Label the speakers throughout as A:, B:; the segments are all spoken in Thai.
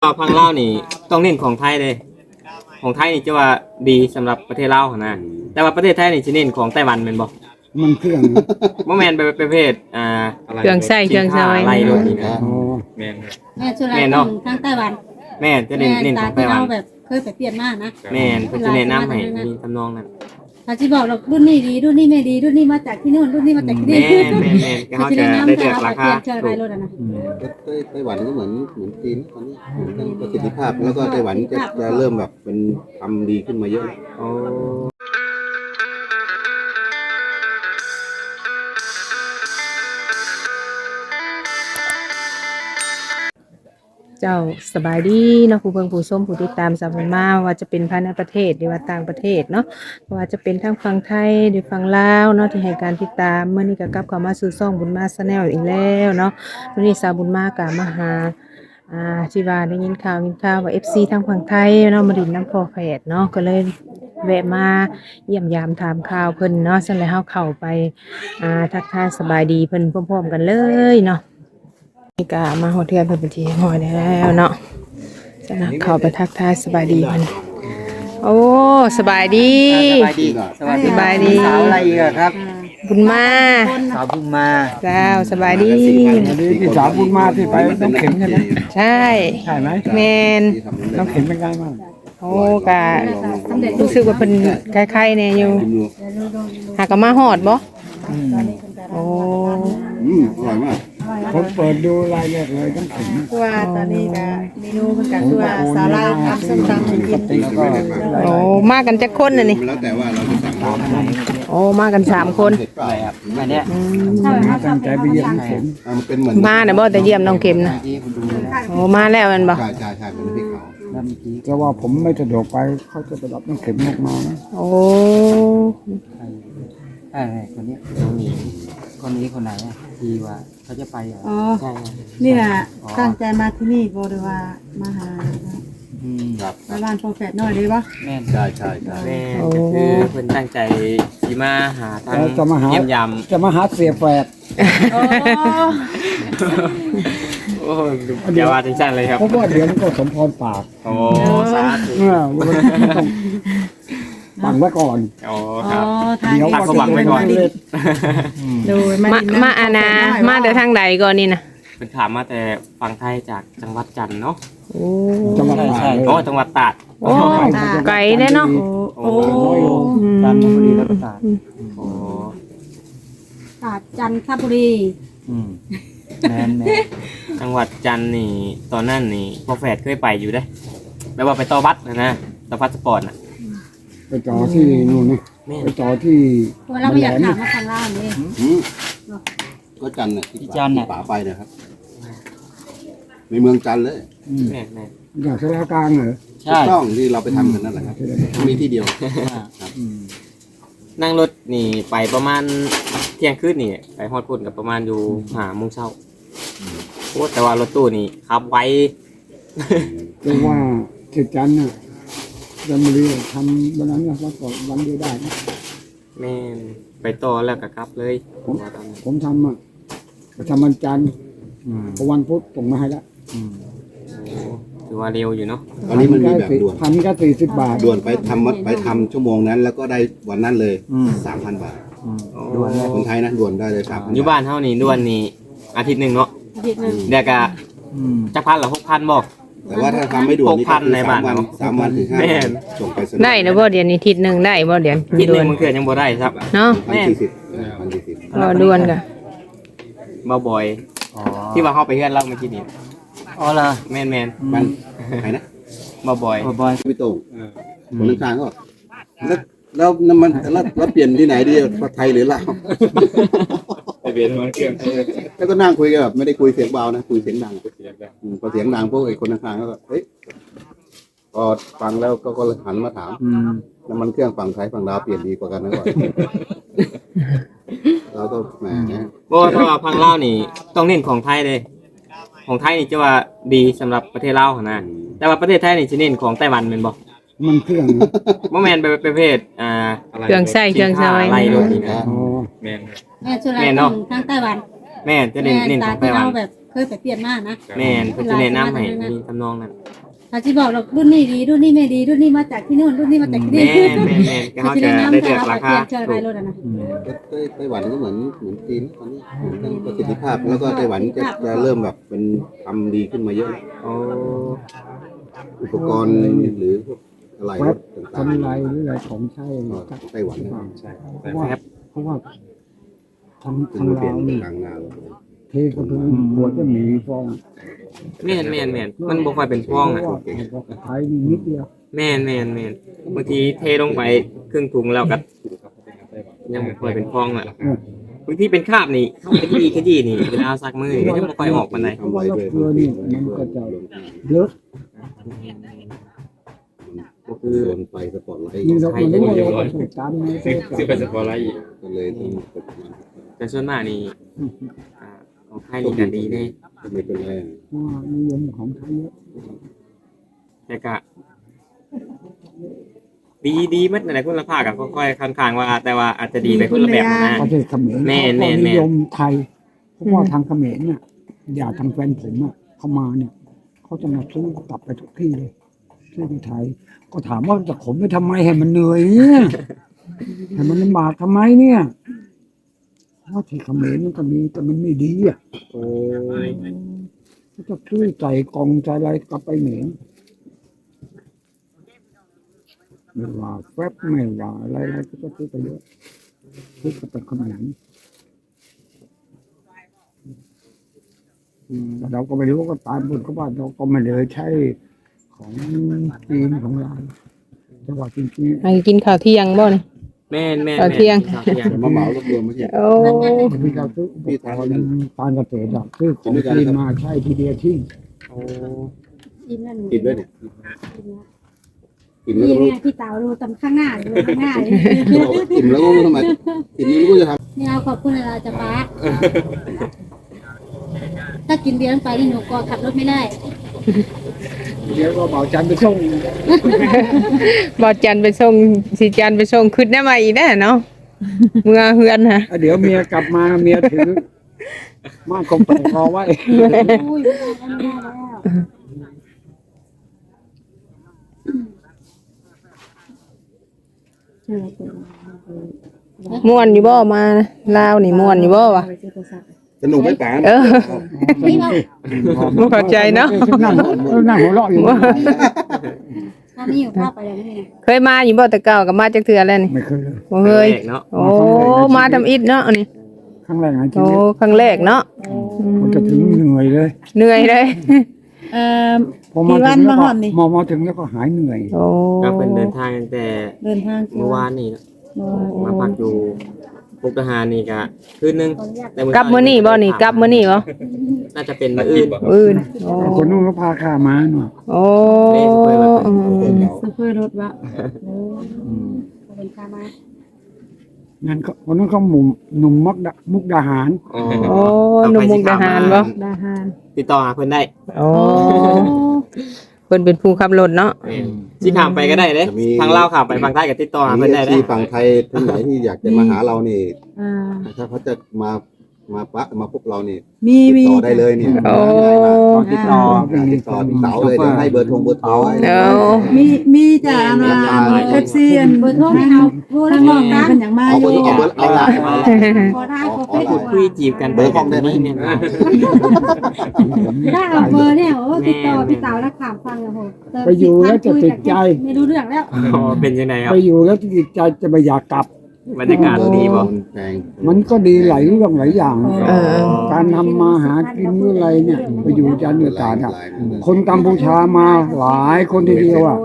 A: พังเล่าวนี่ต้องเน้นของไทยเลยของไทยนี่จะว่าดีสำหรับประเทศลาวนะแต่ว่าประเทศไทยนี่จะเน้นของไต้หวันแม่นบ่
B: มันเครื่อง
A: บ่แม่นประเภท
C: เครื่องใช้เครื่องใช้
A: ไล่รถนี่นะ
B: อ๋อ
A: แม่น
D: แม่ชุดไรต้องทางไต้หวัน
A: แม่นจะเน้นของไต้หวัน
D: เราแบบเคยไปเปลี่ยนมากนะ
A: แม่นเพิ่นจะแนะนำให้มีทำนองนั้น
D: ถ้าที่บอกเรารุ่นนี้ดีรุ่นนี้ไม่ดีรุ่นนี้มาจากที่นู่นรุ่นนี้มาจากที่
A: แม่
D: นี่
A: นก็เขาจะได้เลือกราคา
D: เชื่ออะไรรถนะ
E: ไต้หวันก็เหมือนจีนตอนนี้เหมือนกันประสิทธิภาพแล้วก็ไต้หวันจะเริ่มแบบเป็นทำดีขึ้นมาเยอะแล้ว
A: โอ้
C: เจ้าสบายดีเนาะผู้เบิ่งผู้ชมผู้ติดตามสาวมาว่าจะเป็นภายในประเทศหรือว่าต่างประเทศเนาะว่าจะเป็นทั้งฝั่งไทยหรือฝั่งลาวเนาะที่ให้การติดตามเมื่อนี้ก็กลับเข้ามาสู่ช่องบุญมาชาแนลอีกแล้วเนาะวันนี้สาวบุญมาก็มาหาที่ว่าได้ยินข่าวว่า FC ทางฝั่งไทยเนาะมาดินน้ำพอแฝดเนาะก็เลยแวะมาเยี่ยมยามถามข่าวเพิ่นเนาะซั่นแล้วเฮาเข้าไปทักทายสบายดีเพิ่นพร้อมๆกันเลยเนาะ นี่ก็มาโฮเทลเป็นที่หอยแล้วเนาะจะนะเข้าไปทักทายสบายดีมันโอ้สบายดี
F: สบายดี
C: สบายดี
F: สาวอะไรอีกอะครับ
C: บุญมา
F: สาวพุ่งมา
C: เจ้าสบายดี
B: อันนี้ที่สาวบุญมาที่ไปน้ำเข็มใช่ไหม
C: ใช่
B: ใช่ไหม
C: แมน
B: น้ำเข็มเป็นไงบ้าง
C: โอ้กะรู้สึกว่าเป็นคล้ายๆเนี่ยอยู่หากะมาหอดบ่โอ้
E: อร่อยมาก
B: ผมเปิดดูรายละเอียดเลยน้ำเข็ม
D: ว่าตอนนี้ก็เมนูเป็นการตัวสาลาทำส้มตำกิน
B: แล้วก็
C: โอ้มากันจักคนน่ะนี่
E: แล้วแต่ว่าเราจะสั่งอะไร
C: โอ้มากัน3คน
E: เผ็ดเปล่าครับ
F: อันเนี้ย
B: ตั้งใจไปเยี่ยมน้ำเข็ม
E: มันเป็นเหมือน
C: มาน่ะบ่แต่เยี่ยมน้องเข็มนะ
F: ที่คุณดูนะ
C: โอ้มาแล้วแม่นบ่
E: ใช่เป็นพริกเผา
F: แล้วเมื่อกี้
B: แต่ว่าผมไม่สะดวกไปเขาจะไปรับน้ำเข็มออกมานะ
C: โอ้
F: คนนี้คนไหนอะที่ว่าเขาจะไปเหรอ
D: อ๋อนี่แหละตั้งใจมาที่นี่บริวามาหา
E: ครับ
D: บ้านโปรแฟตหน่อยได้ปะ
F: แม่น
E: ใช่
A: แม่นก็คือเพิ่นตั้งใจสิมาหาทาง
B: แล้วจะมาหา
A: เยี่ยมยาม
B: จะมาหาเสียแฝด
D: โอ้
A: โอ้เดี๋ยวว่าจังซั่นเลยครับ
B: เพราะว่าเดี๋ยวมันก็สมพรปาก
A: โอ้สาธุ
B: มันต้องฟังไว้ก่อน
A: โอ้
D: อ๋
A: ค
D: อ
A: รับ
D: ทาง
B: เดี๋ยว
A: ตั้งความหวังไว้ก่อน
D: ดู
C: มาอาณามาแต่ทางใดก่อนนี่นะ
A: เป็นถามมาแต่ฝั่งไทยจากจังหวัดจันทร์เนาะ
C: โอ้
B: จังหวัดตาก
A: โอ้จังหวัดตราด
C: โอ้ไกลแน่เนาะ
A: โอ้
F: ตามบุรีรัตน์ศาสตร์
A: โอ้
D: ตาดจันทบุรี
F: แม่น
A: จังหวัดจันทร์นี่ตอนนั้นนี่พ่อแฝดเคยไปอยู่ได้แปลว่าไปต่อบัตรนะต่อพาสปอร์ตน่ะ
B: ไปจอที่นู่นนี่
A: แม่
B: ไปจอที่
D: เราไม่อยากถามว่าทางล่างนี่
E: ก็จันทร์น่ะที่ป่าไปนะครับในเมืองจันทร์เลย
A: แม่แม่
B: อย่างสารกลางเหรอ
E: ถูกต้องที่เราไปทำกันนั่นแหละครับมีที่เดียว
A: นั่งรถนี่ไปประมาณเที่ยงคืนนี่ไปฮอดพุ่นกับประมาณอยู่5 โมงเช้าโอ้แต่ว่ารถตู้นี่ขับไว
B: เรียกว่าเขตจันทร์น่ะจันทบุรีทำวันนั้นเนี่ยว่าก่อนวันเดียวได้นะ
A: แม่นไปต่อแล้วก็กลับเลยว่าตอนนั้น
B: ผมทำอ่ะประจำวันจันทร์พอวันพุธส่งมาให้แล้ว
A: โอ้ถือว่าเร็วอยู่เนาะ
E: ตอนนี้มันมีแบบด่วน
B: พันก็40 บาท
E: ด่วนไปทำชั่วโมงนั้น แล้วก็ได้วันนั้นเลย 3,000 บาท
F: ด่วนเลย
E: คนไทยนะด่วนได้เลย3,000
A: อยู่บ้านเฮานี่ด่วนนี่อาทิตย์หนึงเนาะ
D: อาทิตย์หนึง
A: เดี๋ยวก็จักพันหรือ6,000บ่
E: แต่ว่าถ้าทำไม่ด่วนนี่ก็
A: 6,000ในบ้าน
E: 3 วันถึง5
A: แม่
E: วัน
A: น
E: ส่งไปสะดวก
C: ได้นะบ่เดี๋ยวนี้ทิศหนึงได้บ่เดี๋ยว
A: อาทิตย์ห
C: ด่
A: นึ
C: ว
A: ง
C: น
A: บางเทื่อยังบ่ได้ครับ
C: เนาะ
E: 1,040
C: รอด่วนกะ
A: บ่บ่อย
F: อ๋อ
A: ที่ว่าเฮาไปเฮือนเราเมื่อกี้นี่
F: อ๋อเหรอ
A: แม่น
E: มันไหนนะ
A: ๆบ่บ่อย
F: บอย
E: พี่โต้งคนข้างๆก็บอกแล้วน้ำมันแล้วเปลี่ยนที่ไหนดีไทยหรือลาว
A: เปลี่ยนมันเครื่อง
E: แล้วก็นั่งคุยกันแบบไม่ได้คุยเสียงเบานะคุยเสียงดังพอเสียงดังพวกไอ้คนข้างๆก็เฮ้ยพอฟังแล้วก็เลยหันมาถามน้ำมันเครื่องฝั่งไทยฝั่งลาวเปลี่ยนดีกว่ากันนะก่อนเราก็แหม
A: บ่ถ้าว่าพังลาวนี่ต้องเน้นของไทยเลยของไทยนี่จะว่าดีสำหรับประเทศลาวหั่นนะแต่ว่าประเทศไทยนี่สิเน้นของไต้หวันแม่นบ่
B: มันเครื่อง
A: บ่แม่นประเภท
C: เครื่องใช้เครื่องใช้
A: ไล่รถนี่นะ
B: อ๋อ
A: แม่น
D: แม่ชุดไรต้องทางไต้หวัน
A: แม่นจะเน้นของไต้หวัน
D: เราแบบเคเคยไปเปลี่ยนมานะ
A: แม่นเพิ่นสิแนะนำให้มีทำนองนั้น
D: ถ้าสิบอกเรารุ่นนี้ดีรุ่นนี้ไม่ดีรุ่นนี้มาจากที่นู่นรุ่นนี้มาจากที่นี่
A: แม่นก็เขาจะได้เลือกราคา
D: เจออะไรรถอ่ะนะ
E: ไต้หวันก็เหมือนจีนตอนนี้เรื่องประสิทธิภาพแล้วก็ไต้หวันจะเริ่มแบบเป็นทำดีขึ้นมาเยอะ
A: โอ้
E: อุปกรณ์หรือพวกอะไรรถต่าง
B: ทำไรหรืออะไรของใช้
E: ๆก็ไต้หวันนะ
B: เพราะว่าทาง
E: ขึ้น
B: ทาง
E: มาเปลี่ย
B: เรา
E: น
B: นี่
E: กลางนา
B: เทกระเบื้องขวดจะมีฟอง
A: แม่นมันบ่ค่อยเป็นฟองอ่ะ
B: ไทยนี่นิดเดียว
A: แม่นบางทีเทลงไปครึ่งถุงแล้วก็ยังบ่ค่อยเป็นฟองอ่ะบางทีเป็นคราบนี่เฮาขยี้นี่เวลาเอาซักมือนี่ก็ยังบ่ค่อยออกปานใด
E: ทำไว้ด้วย
B: เกลือนี่มันก็จะเยอะ
E: ก็คือโดนไฟสปอตไลท์
B: นี่เราก็รู้ว่าเราต้องการในเทศกาล
E: ก็เลยต้องกดมัน
A: แต่ส่วนมากนี่ของไทยนี่ก็ดีแน่
E: ไม่เป็นไร
B: ว่านิยมของไทยเยอะ
A: แต่ก็ดีหมดนั่นแหละคุณภาพก็ค่อยๆค่อนข้างว่า แต่ว่าอาจจะดีไปคนละแบบนะ
B: ประเทศเขมร
A: แม่น
B: เขาก็นิยมไทยเพราะว่าทางเขมรเนี่ยอย่าทางแฟนผมอ่ะเขามาเนี่ยเขาจะมาซื้อกลับไปทุกที่เลยซื้อที่ไทย ก็ถามว่าจะขนไปทำไมให้มันเหนื่อยเนี่ยให้มันลำบากทำไมเนี่ยเพราะที่เขมรมันก็มีแต่มันไม่ดีอ่ะ
A: โอ้
B: เขาจะซื้อใจกองใจอะไรกลับไปเหม็นไม่ว่าแฟบไม่ว่าอะไรก็จะซื้อไปเยอะซื้อกลับไปเขมรแต่เราก็ไม่รู้ก็ตามบนเขาว่าเราก็ไม่เลยใช้ของจีนของเราแต่ว่าจริง
C: ให้กินข้าวเที่ยงบ่นี่
A: แม่น
C: เอาเที่ยง
E: แต่มาเหมารวบรวมไม่ใช่
C: โอ้
B: ๆที่เราซื้ออุปกรณ์การเกษตรอะซื้อของจีนมาใช้ทีเดียวทิ้ง
A: โอ้
D: กินนั่น
E: กินด้วยเนี่ยกิน
D: นี่
E: แล้วก็รู้
D: ไงพี่เต๋าดูตำข้างหน้าดูข้างหน้าเลย
E: กินแล้วก็รู้ทำไมกินไม่รู้จะท
D: นี่เอาขอบคุณอะไรจะป้าถ้ากินเบียร์ไปนี่หนูก็ขับรถไม่ได้
B: เดี๋ยวก็เบาจันไปส่ง
C: บ่จันไปส่งสิจันไปส่งขึ้นได้มาอีกแน่เนาะเมื่อเฮือนฮะ
B: เดี๋ยวเมียกลับมาเมียถือมากคงไปรอไว้
D: อุ้ยไม่ได้แล้ว
C: ม่วนอยู่บ่มาลาวนี่ม่วนอยู่บ่วะ
E: ำสนุกไหมป๋า
C: เออ
D: นี่เรา
C: บ่เข้าใจเนาะ
B: นั่งหัวเราะอยู่
D: ถ้านี่อยู่ภาพไปแล้วนี่
C: เคยมาอยู่บ่แต่เก่าก็มาจักเทื่อแล้วนี่
B: ไม่เคยเลย
C: บ่เคย
A: เนาะ
C: โอ้มาทำอิฐเนาะอันนี้
B: ครั้งแรกในชี
C: โอ้
B: วิต
C: ครั้งแรกเนาะ
B: มันจะถึงเหนื่อยเลย
C: เหนื่อยเลย
B: พอมาถึงแล้วก็มาถึงแล้วก็หายเหนื่อย
C: โอ้
A: ก็เป็นเดินทางตั้งแต่
D: เดินทาง
A: เมื่อวานนี่เนาะมาพักอยู่มุกดาหารนี่ก็คืนนึงแต่
C: กลับมื้อนี้บ่นี่กลับมื้อนี้บ่
A: น่าจะเป็นมื้ออื่น
C: อื่นโอ้
B: คนนู้นก็พาข้ามาหน่อย
C: โอ้อืม
D: ซื้อเพื่อรถวะเป็นข้ามา
B: งั้นก็คนนู้นเขาหนุ่มมุกดาหาร
A: อ๋อ
C: โอ้หนุ่มมุกดาหารบ่
D: ดาหาร
A: ติดต่อหาเพิ่นได้
C: โอ้เพิ่นเป็นผู้ขับรถเนาะ
A: สิข้ามไปก็ได้เด้ทางลาวข้ามไปฝั่งใต้ก็ติดต่อหาเพิ่นได้เด้
E: ที่ฝั่งไทยท่านไหนที่อยากจะมาหาเรานี่
D: อ่า
E: ถ้าเขาจะมาพบเรานี่
D: มี
E: ติดต่อได้เลยเนี่ย
C: โอ้
A: ติดต่อ
E: ติดต่อพี่เต๋าเลยเดี๋ยวให้เบอร์โทรไว้
C: เออ
D: มีจ้ะเอฟซีเบอร์โทรให้เอาโทรแล้วบอกนะเป็นอย่างมา
E: เอา
D: อ
E: เบอยู่ ร์เอาละ
D: ขอได้ขอเฟซ
A: พูดคุยจีบกัน
E: เบอร์ห้องได้ไหม
A: เนี่ย
D: ได้เอาเบอร์เนี่ยโอ้ติดต่อพี่เต๋าแล้วถามฟังโห
B: ไปอยู่แล้วจะติดใจ
D: ไม่รู้เรื่องแล้ว
A: อ๋อเป็นยังไงครับ
B: ไปอยู่แล้วจะติดใจจะไม่อยากกลับ
A: บรรยากาศดีบ่
E: แพง
B: มันก็ดีหลายเรื่องหลายอย่าง
C: เออ
B: การทำมาหากินเมื่อไรเนี่ยไปอยู่จันทร์อยู่ตราดอะคนกัมพูชามาหลายคนทีเดียวอ่ะ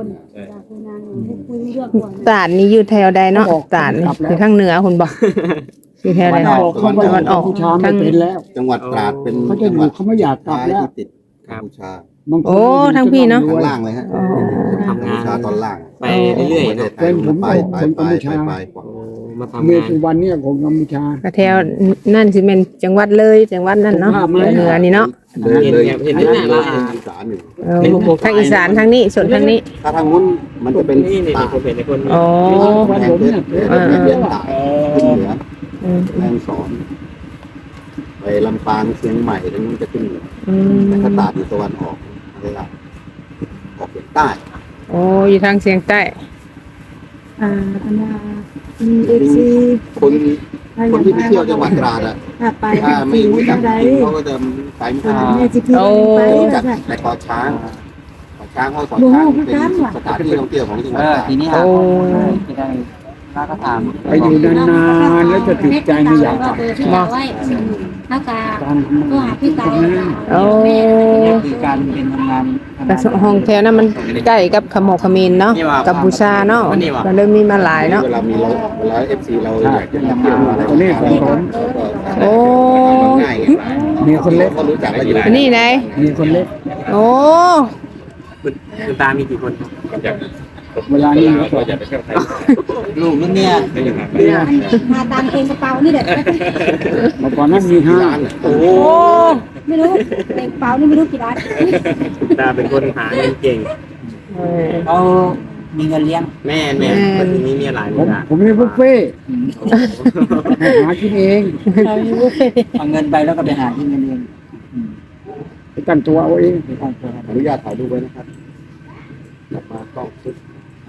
C: ตาดนี่อยู่แถวใดเนาะตาดนี่อยู่ทางเหนือคุณบอกอยู่แถวใด
B: เขาบอกเขาไปกัมพูชาไม่เป็นแล้ว
E: จังหวัดตราดเป็น
B: เขาจะอยู่เขาไม่อยากกลับแล้ว
E: ที่ติดกัมพูชา
B: บางคน
C: โอ้ทางพี่เนาะ
E: ข้างล่างเลยฮะ
C: อ๋อ
E: กัมพูชาตอนล่าง
A: ไปเรื่อยๆ
E: ประเท
A: เนาะ
E: ศไทยไป
A: โอ้มาทำ
B: เมีย
A: งาน
B: สุวรรณเนี่ยของกัมพูชา
C: ก็แถวนั่นสิเป็นจังหวัดเลยจังหวัดนั่นเนาะเหนือนี่เนาะ
E: เลยเห็นนี่แหละเราอีสานอยู่
C: เออทางอีสานทางนี้ส่วนทางนี้
E: ถ้าทางนู้นมันจะเป็น
A: นี่
E: ตาก
A: ผมเห็นในคน
C: อ๋อ
E: แพงเพชรเพชรตากขึ้นเหนือ
C: อืม
E: แม่ฮ่องสอนไปลำปางเชียงใหม่ตรงนู้นจะขึ้นเหนือแต่ถ้าตาดอยู่ตะวันออกเวลาออกเฉียงใต้
C: โอ้อยู่ทางเสียงใต้
D: อันน่ะมีเอฟซี
E: คนที่ไปเที่ยวจังหวัดตราดอะ
D: ถ้าไป
E: ถ้าไม่รู้จัก
D: ได้
E: เขาก็จะไปไม่ได้
D: แม่สิพี่ไป
E: รู้จัก
D: จ้ะ
E: แต่เกาะช้างเกาะช้างเพราะเกาะช้างเป็นสถานที่ท่องเที่ยวของจังหวัดตราด
F: ทีนี้หาจะได้มาก็ถาม
B: ไปอยู่นานๆแล้วจะติดใจไม่อยากกลับ
C: บ่
G: แล้วก็
B: การ
G: ก็หาพี่ไก่
C: โอ้
F: คือการเป็นทำงาน
C: แต่ห้องแถวนั้นมันใกล้กับขมกขมินเนาะกัมพูชาเนาะก็เลยมีมาหลายเนาะ
E: เวลามีเราเวลาเอฟซีเราอยากจะมาเที่ยวอะไร
B: คนนี้ของผม
C: โอ้
E: ง่ายไง
B: มีคนเล็ก
E: ก็รู้จักแล้วอยู่
C: อันนี่ไหน
B: มีคนเล็ก
C: โอ้
A: คุณตามีกี่คน
B: เวลานี้
F: ลูกนั่นเนี่ย
G: มาตามเองกระเป๋านี่เด็ด
B: เมื่อก่อนนั้นมีห้า
E: ร้านอะ
A: โอ้
G: ไม่รู้เองกระเป๋านี่ไม่รู้กี่ล้าน
A: คุณตาเป็นคนหาเงินเก่ง
F: เขามีเงินเลี้ยง
A: แม่คนนี้มีหลาย
B: ผม
A: เวลา
B: ผมมีบุฟเฟ่ต์ให้หากินเอง
F: เอาเงินไปแล้วก็ไปหาที่เงินเลี้ยง
B: ไปตั้งตัวเอาเอง
E: อนุญาตถ่ายรูปไว้นะครับกลับมากล้องชุด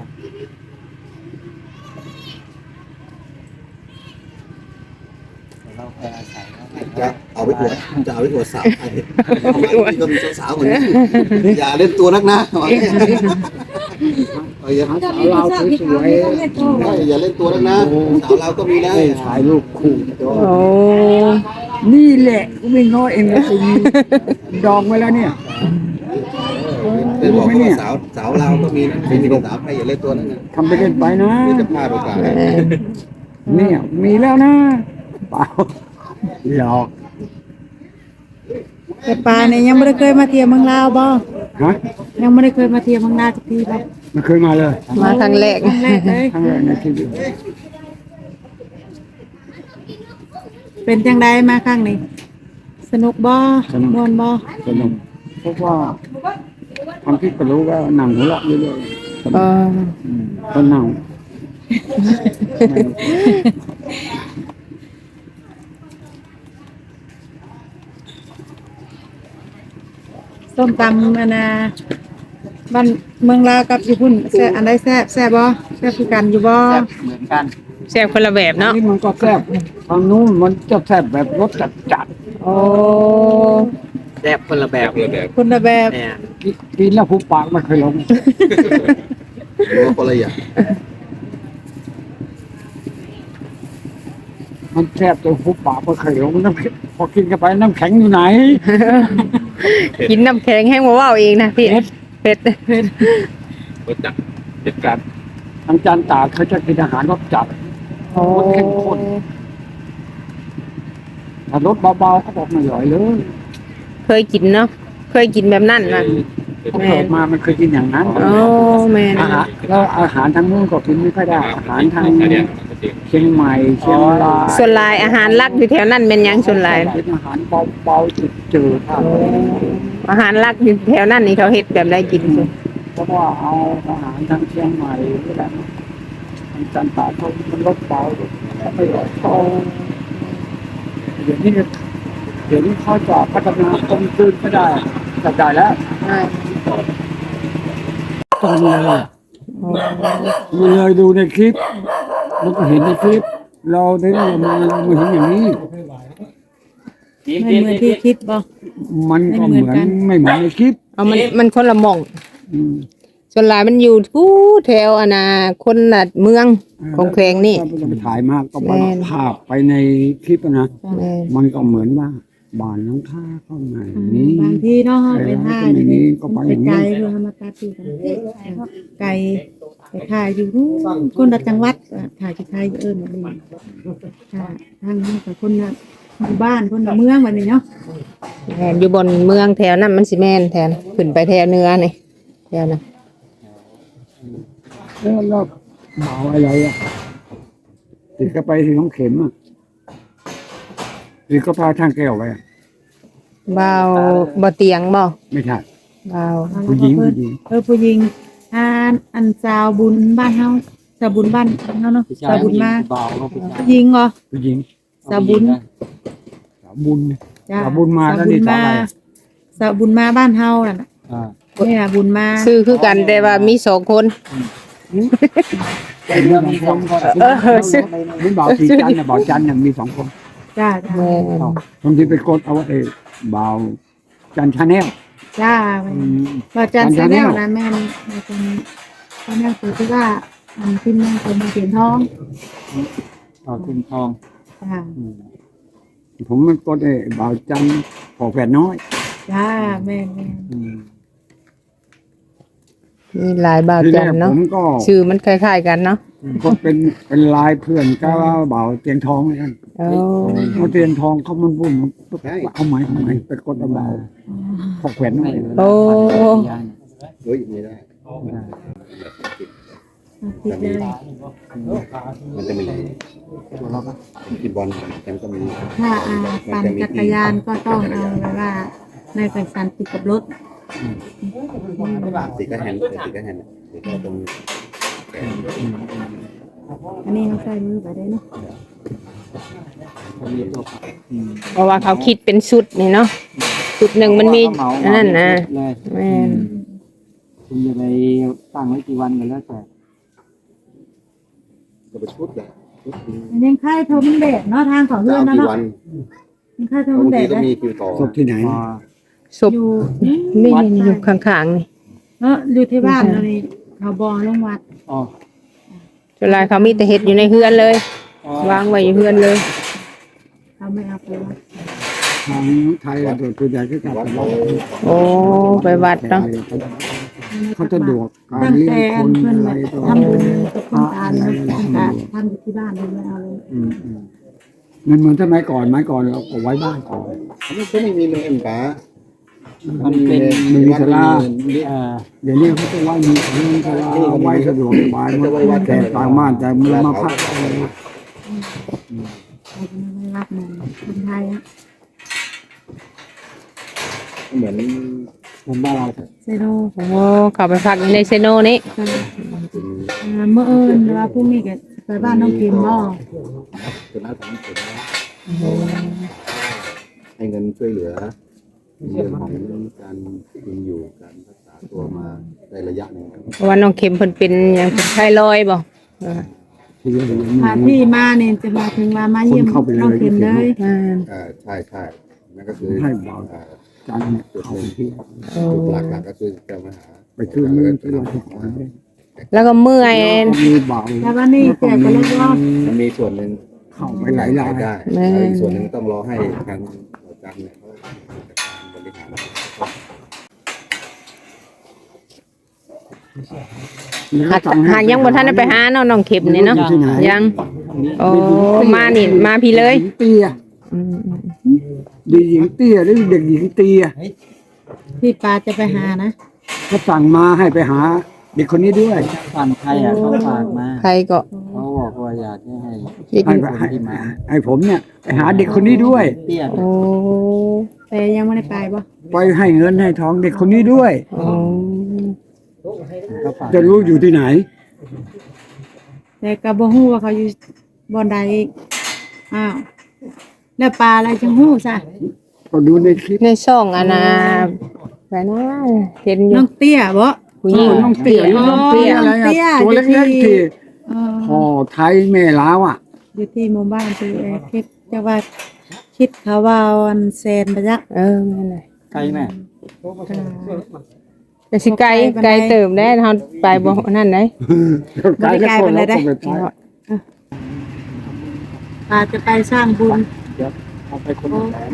F: เราไปอาศัย
E: จะเอาไว้อวดจะเอาไว้อวดสาวไทยเอาไว้ก็มีสาวๆคนนี้อย่าเล่นตัวนักนะอย่า
B: หาสาวเราวสวย
E: อย่าเล่นตัวนักนะสาวเราก็มีนะ
B: ๆถ่ายรูปคู่
C: โอ้
B: นี่แหละกูไม่ง้อเองนะคุณดองไว้แล้วเนี่ย
E: เป็นบอกว่าสาวเราก็มีนะไม่มีสาวไทยอย่าเล่นตัวนักนะ
B: ทำไปเล่นไปนะ
E: ไม่จะพลาดโอกาส
B: เนี่ยมีแล้วนะเปล่าหลอก
D: แต่ปลาเนี่ยยังไม่ได้เคยมาเที่ยวเมืองลาวบ่
B: ฮะ
D: ยังไม่ได้เคยมาเที่ยวเมืองลาวสักทีบ่
B: ไม่เคยมาเลย
C: มาครั้งแรก
D: ครั้งแรกเลย
B: ครั้งแรกในชีวิต
D: เป็นจังไดมาครั้งนี้สนุกบ่ม่วนบ่
B: สนุกเพราะว่าความคิดก็รู้ว่าหนังหัวเราะเรื่อยๆ
C: เออ
B: คนหนัง
D: ส้มตำอันน่ะบ้านเมืองลาวกับญี่ปุ่นแซ่บอันใดแซ่บบ่แซ่บคือกันอยู่บ่
F: แบบเหมือนกัน
C: แซ่บคนละแบบเนาะ
B: นี่มันก็แซ่บทางนู้นมันจะแซ่บแบบรสจัด
C: โอ้
A: แซ่บคนละแบบ
D: คนละแบบ
A: เนี่ย
B: ๆกินแล้วผู้ปากไม่เคยลง
E: หรือว่าคนละอย่าง
B: มันแซ่บจนผู้ปากไม่เคยลงน้ำแข็งพอกินกันไปน้ำแข็งอยู่ไหน
C: กินน้ำแข็งแห้งบ่เว้าเองนะพี่เผ็ด
B: จัดทางจานตากเขาจะกินอาหารรสจัด
C: โอ้
B: รสเข้มข้นถ้ารสเบาๆเขาบอกไม่อร่อยเลย
C: เคยกินเนาะเคยกินแบบนั้นน่ะ
B: เขาเกิดมามันเคยกินอย่างนั้น
C: โอ้แม่น
B: อาหารแล้วอาหารทางนู้นก็กินไม่ค่อยได้อาหารทางเชียงใหม่เชียงราย
C: ส่วนหลายอาหารหลักอยู่แถวนั้นเป็นหยังส่วนหลาย
B: เป็นอาหารเบาๆจืดๆ
C: อาหารหลักอยู่แถวนั้นนี่เขาเฮ็ดแบบได้กินสิ
B: เพราะว่าเอาอาหารทางเชียงใหม่นี่แหละทางจันทร์เขามันลดเบาไม่ลดโตเดี๋ยวนี้เขาจะพัฒนากลมกลืนไม่ได้จับได้แล้วตอนเลยมันเลยดูในคลิปมันก็เห็นในคลิป เราได้เราเห็นอย่างนี้
D: ไม่เหมือนที่คิดบ่
B: มันก็เหมือนไม่เหมือนในคลิป
C: เอามันคนละหม่อง
B: อืม
C: ส่วนหลายมันอยู่ทู่แถวอนาคนน่ะเมืองของแขวงนี่
B: ถ้าจะไปถ่ายมากก็ไป
C: แม่น
B: ภาพไปในคลิปอะนะ
C: แม่น
B: มันก็เหมือนว่าบ้านหลังคาเข้ามาอย่างนี้
D: บางทีเนาะไปถ่าย
B: อย่างนี้ก็ไปอย่างนี้
D: ไกลเพื่อมาตัดที่กันไกลไปถ่ายอยู่นู่นคนละจังหวัดถ่ายที่ไทยเอิ้นว่านี่ค่ะทางนี้กับคนละหมู่บ้านคนละเมืองแบบนี้เนาะ
C: แม่นอยู่บนเมืองแถวนั้นมันสิแม่นแทนขึ้นไปแถวเหนือนี่แถวนั้น
B: แล้วเบาอะไรอ่ะติดก็ไปที่ของเข็มอ่ะติดก็พาทางแก้วไปอะ
C: เบาบ่เตียงบ่
B: ไม่ใช่
C: เบา
B: ผู้หญิงผู้หญิง
D: ผู้หญิงอันสาวบุญบ้านเฮาสาวบุญบ้านเฮาเนาะสาวบุญมา
F: เบาลงไป
D: ผู้หญิงเหรอ
B: ผู้หญิง
D: สาวบุญ
B: สาวบุญ
D: จ้ะ
B: สาวบุญมาแล้วนี่สาวอะไร
D: สาวบุญมาบ้านเฮาน่ะ
F: อ่า
D: นี่ล่ะบุญมา
C: ชื่อคือกันแต่ว่ามี2คน
B: เป็นเรื่องมี2 คนนี่บ่าวสีจันทร์น่ะบ่าวจันทร์น่ะมี2 คน
D: จ้า
C: แม่น
B: บางทีไปกดเอาบ่าวจันทร์ชาแนล
D: จ้าว่าจันทร์แสดงนะแม่นตอนนั้นคือที่ว่ามันขึ้นแม่เป็นเสียนทอง
F: ต่อทุนทอง
D: จ้า
B: ผมมันกดบ่าวจันทร์ขอแฝดน้อย
D: จ้าแม่น
C: มีหลายบ่าว
B: ทีแร
C: จัน
B: ก
C: เนาะ
B: ผมก็
C: ชื่อมันคล้ายๆกันเนาะ
B: ก็เป็นลายเพื่อนก็บ่าวเตียงทองเหมือนกัน
C: โอ้
B: เอาเตียงทองเขามันบุ่มเอาไหมไปกดเอาบ่าวขอแฝดน้อย
C: โอ้
E: เฮ้ยไม่ได้
D: ติดเลย
E: มันจะมีที่บอลกันก็มี
D: ถ้าปั่นจักรยานก็ต้องเอาไว้ว่าในไปสันติดกับรถ
E: ติดก็แฮนด์ติดก็ตรง
D: อันนี้เขาใส่มือไปได้เนาะ
F: มีตัว
C: เพราะว่าเขาคิดเป็นชุดนี่เนาะชุดหนึ่งมันมีอันนั้นนะ
F: เลย
C: แม่น
F: คุณจะไปตั้งไว้กี่วันกันแล้วแต่
E: จะไปชุดแหละชุด
D: อันนี้ค่ายโทมันแดดเนาะทางของ
E: จะ
D: เพื่อน
E: เอา
D: เนาะ
E: กี่วัน
D: ค่ายโท
E: บา
D: มัน
E: ง
D: แด
E: ที
D: ด
E: ก็
D: ได้
E: มีคิวต่อ
B: ศพที่ไหน
F: พอ
C: ศพ
D: อยู่
C: นี่อยู่ข้างๆนี่
D: เนาะอยู่ที่บ้านเรานี่เขาบอลงวัด
F: อ๋อ
C: เวลาเขามีแต่เห็ดอยู่ในเฮือนเลย
F: อ๋อ
C: วางไว้อยู่เฮือนเลย
D: เขาไม่เอาไปวัด
B: ทางไทยตัวใหญ่ก็กลับไปวัด
C: โอ้ไปวัดเนาะ
B: เขาจะดวกการ
D: ตั้ง
B: เลี้ย
D: แต่
B: งคน
D: เพื่อน
B: อะไร
D: แบบ
B: ตัว
D: ทำบุญกับคนตายเลยทำอยู่ที่บ้านเลยไม่เอาเลย
B: มันเหมือนสมัยก่อนเราก็ไว้บ้านก่อน
E: อันนี้ก็ไม่มีเงินป๋า
F: มันเป็น
B: มีศาลา
F: อ่า
B: เดี๋ยวนี้เขาจะไว้มีศาลาไว้สะดวกสบายมันแต่ต่างบ้านแต่เมืองมาพัก
D: เราจะไม่รับเงินคนไทยอะ
E: เหมือน
F: เหมือนบ้านเรา
D: เซโน
C: โอ้เขาไปพักอยู่ในเซโนนี่
D: เมื่อเอิญว่าพรุ่งนี้ก็ไปบ้านน้องพิมพ์บ่
E: เป็นน้าของผมให้เงินช่วยเหลือเรื่องของการกินอยู่การรักษาตัวมาได้ระยะหนึ่งครับ
C: เพราะว่าน้องเข็มเพิ่นเป็นหยังเป็นไข้ลอยบ่เออ
B: ที่เรียกอย่าง
D: พา
B: นี้
D: ที่มาเนี่ยจะมาถึงมาเยี่ยมน้องพิมพ์เลย
C: อ่า
E: ใช่นั่นก็คือ
B: ให้เบาจันเนี่ย
E: จุด
B: เขา
E: หนึ่ง
B: ที่
E: จุดหลักก็คือจะมาหา
B: ไปชื่อเมืองที่เราที่ขอน
C: แล้วก็เมื่อย
B: มีเบา
D: แต่ว่านี่แจกไปแล้วรอบ
E: มันมีส่วนหนึ่ง
B: เข้าไปหลายราย
E: ได้แล้วอีกส่วนหนึ่งต้องรอให้ทางอาจารย์เนี่ยเขาจัดการบริหาร
C: หากยังบ่ทันได้ไปหาเนาะน้องเข็มนี่เนาะยังโอ้มานี่มาพี่เลย
B: เตี้ย
C: อืม
B: เด็กหญิงเตี้ยหรือเด็กหญิงเตี้ย
D: ที่ปาจะไปหานะ
B: เขาสั่งมาให้ไปหาเด็กคนนี้ด้วย
F: ฝั่งไทยอ่ะเขาฝากมา
C: ใครก็
F: เขาบอกว่าอยากให้
B: ให้ผมเนี่ยไปหาเด็กคนนี้ด้วย
F: เตี้ย
C: โอ้
D: แต่ยังไม่ได้ไปบ่
B: ไปให้เงินให้ทองเด็กคนนี้ด้วย
C: โอ้
F: เขาฝาก
B: จะรู้อยู่ที่ไหน
D: แต่ก็บ่ฮู้ว่าเขาอยู่บ่อนใดอีกอ้าวแล้วปลาอะไรจังฮู้ซะ
B: ก็ดูในคลิป
C: ในช่องอันน่ะไปนะเห็นอยู่
D: น้องเตี้ยบ่
C: ผู้หญิง
B: น้องเตี้ยน้องเตี้ยอะไร
D: เตี้ย
B: ตัวเล็กๆที่
D: เออ
B: พ่อไทยแม่ลาวอ่ะ
D: อยู่ที่หมู่บ้านคือคิดจะว่าคิดเขาว่าวันแซนไปจัก
C: เออนั่นแหละ
F: ไกลแม่
C: แต่สิไกลเติมได้เฮาไปบ่นั่นได้
B: ไกลแล้วคนเราก็ไปไป
D: ปาจะไปสร้างบุญ
B: เอาไปคนละแสน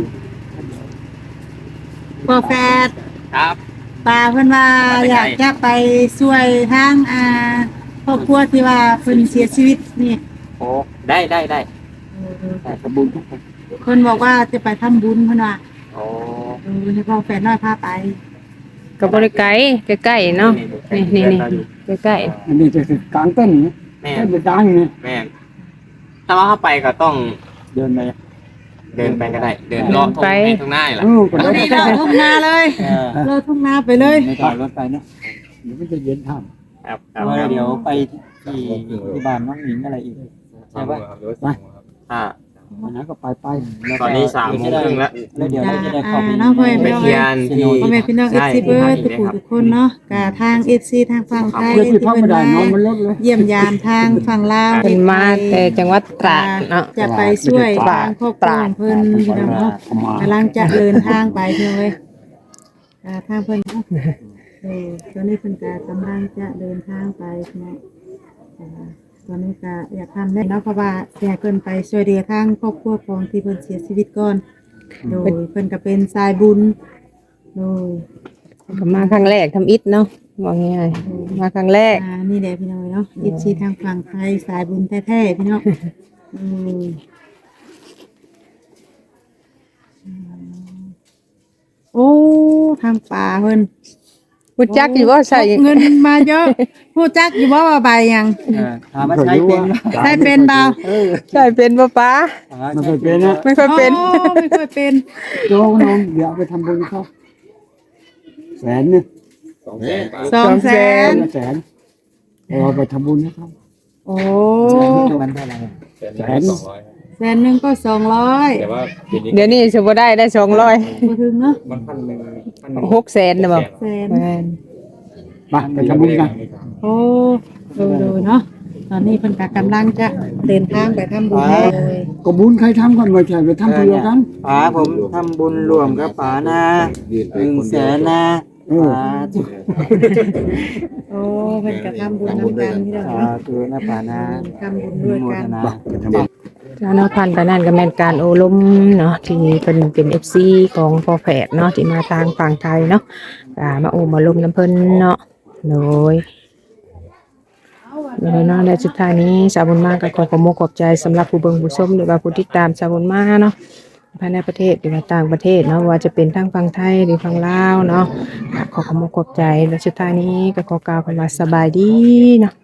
D: พ่อแฟด
A: ครับ
D: ปาเพิ่นว่าอยากจะไปช่วยทางครอบครัวที่ว่าเพิ่นเสียชีวิตนี่
A: โอ้ได้
F: แต่กระบุญทุกคน
D: เพิ่นบอกว่าจะไปทำบุญเพิ่นว่า
A: โอ้
D: ให้พ่อแฟดน้อยพาไป
C: ก็บ่ได้ไกลใกล้ๆเนาะนี่ใกล้
B: อันนี้จะคือกลางเต้นนะ
A: แม่
B: เต้นจะดังเนี่ย
A: แม่ถ้าว่าเข้าไปก็ต้อง
F: เดินไป
A: เดินไปก็ได้ เดินเลาะตรงหน้านี่แหละ
B: ก็
D: ตอน
B: ได้
D: นี้เราทุ่งนาเลย เราทุ่งนาไปเลย
F: ไม่ต่อรถไปเนาะ
B: เดี๋ยวมันจะเย็นท่
A: ครับ
F: เดี๋ยวไปที่บ้านน้องหญิงอะไรอีกใช่ปะ
A: ถ้า
B: อันนั้นก็ไป
A: ตอนนี้3 โมงครึ่งแล้ว
F: แล้วเดี๋ยวเราจะได้เข้าไป
D: น้องพ่อ
A: ไป
D: แม่
A: เทียนที่
D: พ่อแม่พี่น้อง FC เบิร์ดทุกคนเนาะกะทาง FC ทางฝั่งไทย
B: เพื่อที่
D: ที่
B: พัก
D: เพิ่
B: ไม่
D: น
B: ได้
D: มา
B: น้องมันลดเลย
D: เยี่ยมยามทางฝั่งลาว
C: เป็นมาแต่จังหวัดตราดเนาะ
D: จะไปช่วยทางครอบครัวของเพิ่นพี่น้องเนาะกำลังจะเดินทางไปเพียงเลยทางเพิ่นเนาะตอนนี้เพิ่นก็กำลังจะเดินทางไปเนาะตอนนี้ก็อยากทำได้เนาะเพราะว่าอยากเพิ่นไปช่วยเหลือทางครอบครัวของที่เพิ่นเสียชีวิตก่อนโดยเพิ่นก็เป็นสายบุญโดย
C: ก็มาครั้งแรกทำอิฐเนาะว่าง่ายๆมาครั้งแรก
D: นี่แหละพี่น้อยเนาะอีซีทางฝั่งไทยสายบุญแท้ๆพี่น้องโอ้ทางป่าเพิ่น
C: พูดจักอยู่ว่าใส่
D: เงินมาเยอะผู้จักอยู่ว่าใบยัง
F: ถามว่าใช้เป็นไหม
D: ได้เป็นเบา
C: ใส่เป็นป้าป้า
B: ไม่เคยเป็นนะ
C: ไม่ค่อยเป็น
D: โอ้ไม่เคยเป็น
B: โจ้น้องเดี๋ยวเอาไปทำบุญเขา100,000เนี่ย
D: 200,000
B: 100,000เอาไปทำบุญนะครับ
D: โอ้
F: มันเท่าไหร่
B: 100,000
D: 100,000ก็200
A: แต่ว่าปีนี้
C: เดี๋ยวนี้จะบ่ได้200
D: บ่ถึงเนาะ
A: มัน1,000
C: 600,000นะบ่
D: แสน
C: แม่น
B: ไปทำบุญกัน
D: โอ้ดูเนาะตอนนี้เพิ่นก็กำลังจะเดินทางไปทำบุญเลย
B: ก็บุญใครทำกันไม่ใช่ไปทำเพื่อกัน
F: ป๋าผมทำบุญรวมกับป๋านะ
E: ยืนไปคน
F: 100,000
E: เดียว
F: นะ
B: เออ
F: ป๋า
D: โอ้เพิ่นก็ทำบุญนำกันที่เรา
F: สา
D: เนาะ
F: ธุนะป๋านะ
D: ทำบุญด้วยกัน
F: นะ
B: ไปทำบุญ
C: เจ้าเนาะพันกันนั่นก็แม่นการโอลมเนาะที่เป็น FC ของพ่อแฝดเนาะที่มาทางฝั่งไทยเนาะมาโอมาลมน้ำเพิ่นเนาะโดยเนาะและสุดท้ายนี้สาวบุญมากก็ขอขอบคุณขอบใจสำหรับผู้เบิ่งผู้ชมหรือว่าผู้ติดตามสาวบุญมากเนาะภายในประเทศหรือว่าต่างประเทศเนาะว่าจะเป็นทั้งฝั่งไทยหรือฝั่งลาวเนาะขอขอบคุณขอบใจและสุดท้ายนี้ก็ขอกล่าวคำว่าสบายดีเนาะ